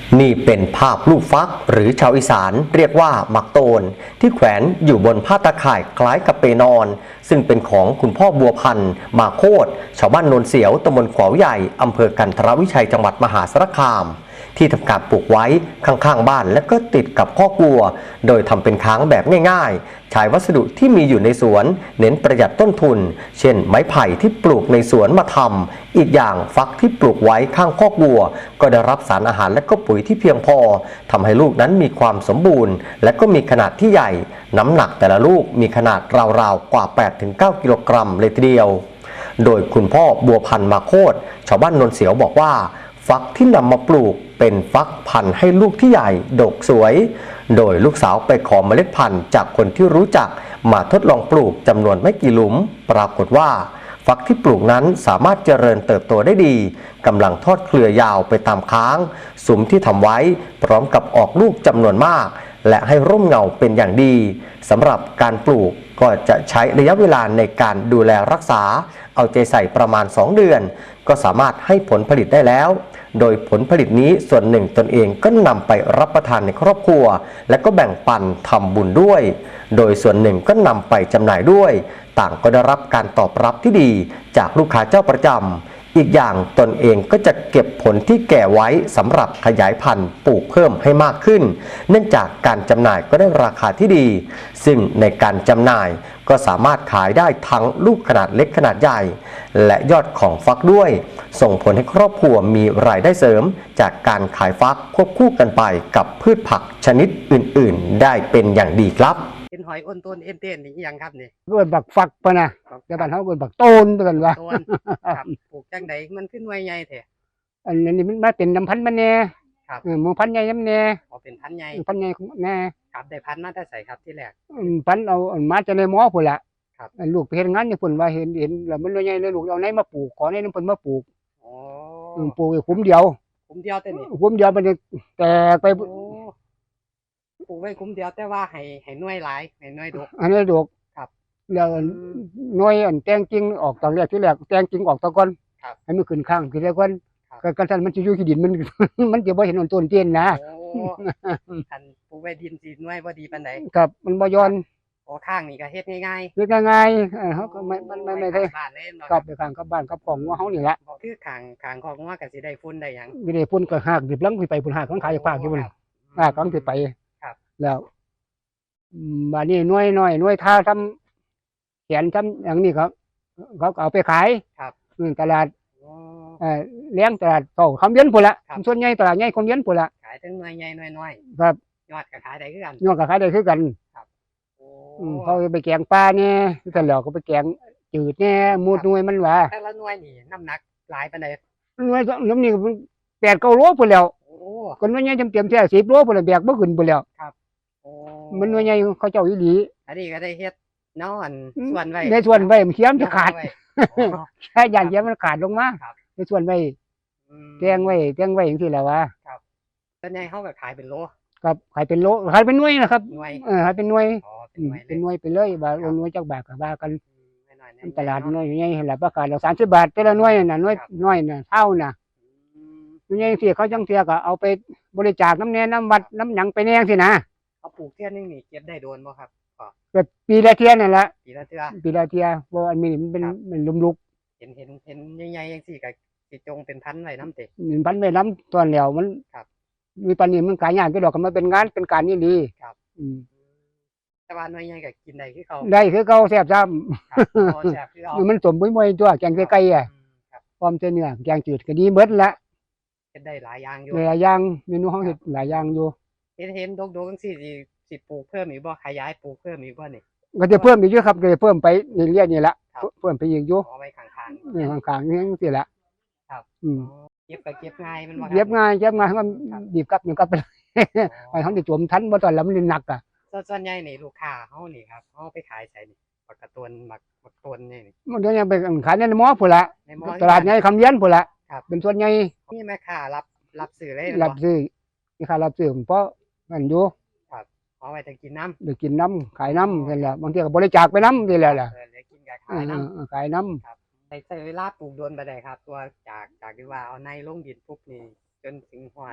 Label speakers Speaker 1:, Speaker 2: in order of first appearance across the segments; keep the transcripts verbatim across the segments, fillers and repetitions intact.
Speaker 1: นี่เป็นภาพลูกฟักหรือชาวอีสานเรียกว่าหมักโตนที่แขวนอยู่บนผ้าตะข่ายคล้ายกับเปนอนซึ่งเป็นของคุณพ่อบัวพันธ์มาโคตรชาวบ้านโนนเสียวตำบลขวาวใหญ่อำเภอกันทรวิชัยจังหวัดมหาสารคามที่ทำการปลูกไว้ข้างๆบ้านและก็ติดกับคอกวัวโดยทำเป็นค้างแบบง่ายๆใช้วัสดุที่มีอยู่ในสวนเน้นประหยัดต้นทุนเช่นไม้ไผ่ที่ปลูกในสวนมาทำอีกอย่างฟักที่ปลูกไว้ข้างคอกวัวก็ได้รับสารอาหารและก็ปุ๋ยที่เพียงพอทำให้ลูกนั้นมีความสมบูรณ์และก็มีขนาดที่ใหญ่น้ำหนักแต่ละลูกมีขนาดราวๆกว่า แปดถึงเก้า กิโลกรัมเลยทีเดียวโดยคุณพ่อบัวพันธ์มาโคตรชาวบ้านโนนเสียวบอกว่าฟักที่นำมาปลูกเป็นฟักพันธุ์ให้ลูกที่ใหญ่ดกสวยโดยลูกสาวไปขอเมล็ดพันธุ์จากคนที่รู้จักมาทดลองปลูกจำนวนไม่กี่หลุมปรากฏว่าฟักที่ปลูกนั้นสามารถเจริญเติบโตได้ดีกำลังทอดเครือยาวไปตามค้างสุมที่ทำไว้พร้อมกับออกลูกจำนวนมากและให้ร่มเงาเป็นอย่างดีสำหรับการปลูกก็จะใช้ระยะเวลาในการดูแลรักษาเอาใจใส่ประมาณสองเดือนก็สามารถให้ผลผลิตได้แล้วโดยผลผลิตนี้ส่วนหนึ่งตนเองก็นำไปรับประทานในครอบครัวและก็แบ่งปันทำบุญด้วยโดยส่วนหนึ่งก็นำไปจำหน่ายด้วยต่างก็ได้รับการตอบรับที่ดีจากลูกค้าเจ้าประจำอีกอย่างตนเองก็จะเก็บผลที่แก่ไว้สำหรับขยายพันธุ์ปลูกเพิ่มให้มากขึ้นเนื่องจากการจำหน่ายก็ได้ราคาที่ดีซึ่งในการจำหน่ายก็สามารถขายได้ทั้งลูกขนาดเล็กขนาดใหญ่และยอดของฟักด้วยส่งผลให้ครอบครัวมีรายได้เสริมจากการขายฟักควบคู่กันไปกับพืชผักชนิดอื่นๆได้เป็นอย่างดีครับ
Speaker 2: เป็นหอยอ้นต้นเอ็นเต้นนี่ยังครับนี่
Speaker 3: เกิดบักฝักปะนะแต่บ้านเขาเกิดบักโตนเปกันว่า
Speaker 2: ต้นครับปลูกจังไดมันขึ้นไวใหญ่แท้
Speaker 3: อันนี้มันมาเป็นน้ำพันธุ์มันแน่
Speaker 2: ครับ
Speaker 3: เออหมูพันธุ์ใหญ่น้ำแน่
Speaker 2: อ๋อเป็นพันธุ์ใหญ่
Speaker 3: พันธุ์ใหญ่แน่
Speaker 2: ครับได้พันธุ์มาแต่ใส่ครับที่แรก
Speaker 3: พันธุ์เอามาจะในหม้อพุ่นละครับลูกไปเห็นงานอยู่พุ่นว่าเห็นเห็นแล้วมันใหญ่เลยลูกเอาไหนมาปลูกขอไหนน้ำเพิ่นมาปลูก
Speaker 2: อ๋
Speaker 3: อปลูกคุ้มเดียว
Speaker 2: คุ้มเดียวแต่นี่
Speaker 3: คุ้มเดียวมันแตกไป
Speaker 2: ปลูกไว้คุ้มเดียวแต่ว่าให้ให้หน่วยหลายให้หน่วยดก
Speaker 3: อันนี้ดก
Speaker 2: ครับ
Speaker 3: แล้วหน่วยอันแตงจริงออกตอนแรกที่แรกแตงจริงออกตะก้อนให้มันขึ้นข้างคือแล้วก่อนกันท่านมันจะอยู่ที่ดินมันมันจะบ่เห็นต้นเตี้ยนนะ
Speaker 2: อันปลูกไว้ดินสีหน่วยบ่ดีปานใด
Speaker 3: ครับมันบ่ย้อน
Speaker 2: โอ้ข้างนี่ก็เฮ็ดง่ายๆ
Speaker 3: เฮ็ดง่ายๆเออเฮาก็ไม่มันไม่ไม่ได้
Speaker 2: บ้านเล่น
Speaker 3: ครับไปข้างกับบ้านกับของว่าเฮานี่ล่ะ
Speaker 2: คือข้างข้างของว่าก็สิได้ฝุ่นได้หยัง
Speaker 3: มีได้ฝุ่นก็หากดิบลังสิไปฝุ่นหากของขายฝากอยู่พุ่นหากของสิไป
Speaker 2: ครับ
Speaker 3: แล้วบัดนี้หน่วยน้อยหน่วยท่าทำแขนทำอย่างนี้ครับเขาเอาไปขาย
Speaker 2: ครับ
Speaker 3: ตลาดเอ่อเลี้ยงตลาดเก่าคำเย็นพุ่นละส่วนใหญ่ตลาดใหญ่คำเย็นพุ่นละ
Speaker 2: ขายทั้งหน่วยใหญ่หน่วยน้อย
Speaker 3: ครับ
Speaker 2: ยอดก็ขายได้คือกัน
Speaker 3: ยอดก็ขายได้คือกัน
Speaker 2: ครับโอ้
Speaker 3: เขาไปแกงปลาเนี่ยแต่แล้วก็ไปแกงจืดเนี่ยมูดหน่วยมันว่า
Speaker 2: แต่ละหน่วยนี่น้ำหนักหลายปานใด
Speaker 3: หน่วยน้ำนี่แปดเก้าโลพุ่นแล้ว
Speaker 2: โอ้
Speaker 3: คนหน่วยใหญ่จำเต็มแค่สิบโลพุ่นแล้วแบกบ่ขึ้นพุ่นแล้ว
Speaker 2: ครับโอ้
Speaker 3: มันหน่วยใหญ่เขาเจ้าอีหลี
Speaker 2: อันนี้ก็ได้เฮ็ดนอนส่วนไว้
Speaker 3: ในส่วนไว้มันเขียมจะขาดแค่ย่านเขียมมันขาดลงมาในส่วนไว้แจ้งไว้แจ้งไว้อย่างที่แล้วว่า
Speaker 2: ครับส่วนใหญ่เขาก็ขายเป็นโล
Speaker 3: ครับขายเป็นโลขายเป็นหน่วยนะครับ
Speaker 2: หน่วย
Speaker 3: เออขายเป็นหน่วย
Speaker 2: อ๋อ
Speaker 3: เป็นหน่วยไปเลยบาทหน่วยจักบาทก็ว่ากันตลาดหน่วยใหญ่เห็นแล้วประกาศเราสามสิบบาทแต่ละหน่วยน่ะหน่วยน้อยน่ะเท่าน่ะหน่วยใหญ่สิเขาจังเสียก็เอาไปบริจาคน้ำแน่น้ำวัดน้ำหยังไปแน่สินะ
Speaker 2: เอาปลูกเทียนนึงนี่เก็บได้โดนบ่ครับ
Speaker 3: แบบปีละเทียนนั่นแหละ
Speaker 2: ปีละเทื่อ
Speaker 3: ปีละเทียเพราะอันนี้มันเป็นมันลุมลุก
Speaker 2: เห็นเห็นเห็นใหญ่ๆจังซี่ก็สิจงเป็นพันไว้น้ำเตะ
Speaker 3: พันไว้น้ำตอนแล้วมันมีปันนี้มันขายยากก็ดอกก็มาเป็นงานเป็นการนี่ดี
Speaker 2: ครับอืมแต่ว่าหน่วยใหญ่ก็กินได้คือเขา
Speaker 3: ได้คือเขาแซ่บซ้
Speaker 2: ำแซ่บคือเอา
Speaker 3: มันสมบุ้ยมวยตัวแกงไก่อ่ะพร้อมเนื้อแกงจืดก็ดีเบิดละ
Speaker 2: เฮ็ดได้หลายอย่างอยู่
Speaker 3: หลายอย่างเมนูห้องเฮ็ดหลายอย่างอยู่
Speaker 2: เห็นเห็นดกๆจังซี่สิสิปลูกเพิ่มอีกบ่ขยายปลูกเพิ่มอีกบ่นี่
Speaker 3: ก็จะเพิ่มอีกเยอะครับก็จะเพิ่มไปเรื่อยๆนี่ละเพิ่มไปอีกอยู่
Speaker 2: เอาไว้ข้าง
Speaker 3: ๆนี่ข้างๆนี่จังซี่ละ
Speaker 2: ครับ
Speaker 3: อืม
Speaker 2: เก็บก็เก็บง่ายมันบ่ครับ
Speaker 3: เก็บง่ายเก็บง่ายก็ดีบกลับนี่กลับไปไปเฮาได้จมทันบ่ตอนแล้วมันหนักอ่ะ
Speaker 2: ส่วนใหญ่นี่ลูกค้าเฮานี่ครับเฮาไปขายไสนี่ปักกระตวนหมักปักตวนนี่
Speaker 3: มันก็ยังไปขายในหม้อพุ่นละตลาดใหญ่คำเย็นพุ่นละเป็นส่วนใหญ่
Speaker 2: มีแม่ค้ารับรับซื้อเลย
Speaker 3: รับซื้อมีค่ารับซื้อเพราะนั่นอยู่
Speaker 2: ครับเอาไว้แต่กินน้ำ
Speaker 3: ได้กินน้ำขายน้ำนั่นแหละบางทีก็บริจาคไปน้ำนี่แหละล่ะ
Speaker 2: เออได้กินก็ขายน้
Speaker 3: ำขายน้ำ
Speaker 2: ครับใช้เวลาปลูกโดนไปได้ครับตัวจากจากที่ว่าเอาในลงดินปุ๊บนี่จนถึงหอด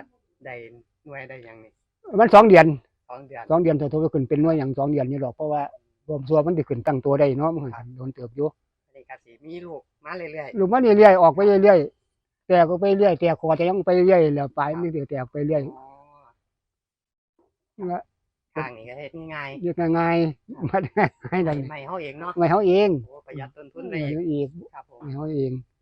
Speaker 2: ได้หน่วยได้หยังนี่
Speaker 3: มันสองเดือน
Speaker 2: สองเดือน
Speaker 3: สองเดือนตัวตัวขึ้นเป็นหน่วยอย่างสองเดือนนี่หรอกเพราะว่าบวมซัวมันจะขึ้นตั้งตัวได้เนาะมันโดนเติบอยู่
Speaker 2: อันนี้ก็สิมีลูกมาเรื่อย
Speaker 3: ลูกมันเรื่อยๆออกไปเรื่อยๆแต่ก็ไปเรื่อยแต่คอจะยังไปเรื่อยแล้วปลายมันจะแตกไปเรื่อย
Speaker 2: ๆอ๋อ
Speaker 3: แล้ว
Speaker 2: ทางนี้ก็เฮ็ดง่าย
Speaker 3: เรียกง่ายๆมาให้
Speaker 2: ๆ
Speaker 3: ได้
Speaker 2: ไม่เฮาเองเนาะ
Speaker 3: ไม่เฮาเอง
Speaker 2: โอ้ประหยัดต้นทุน
Speaker 3: ไม่
Speaker 2: ได้อีก
Speaker 3: เฮาเอง
Speaker 2: ครับผม
Speaker 3: ไม่เฮาเอง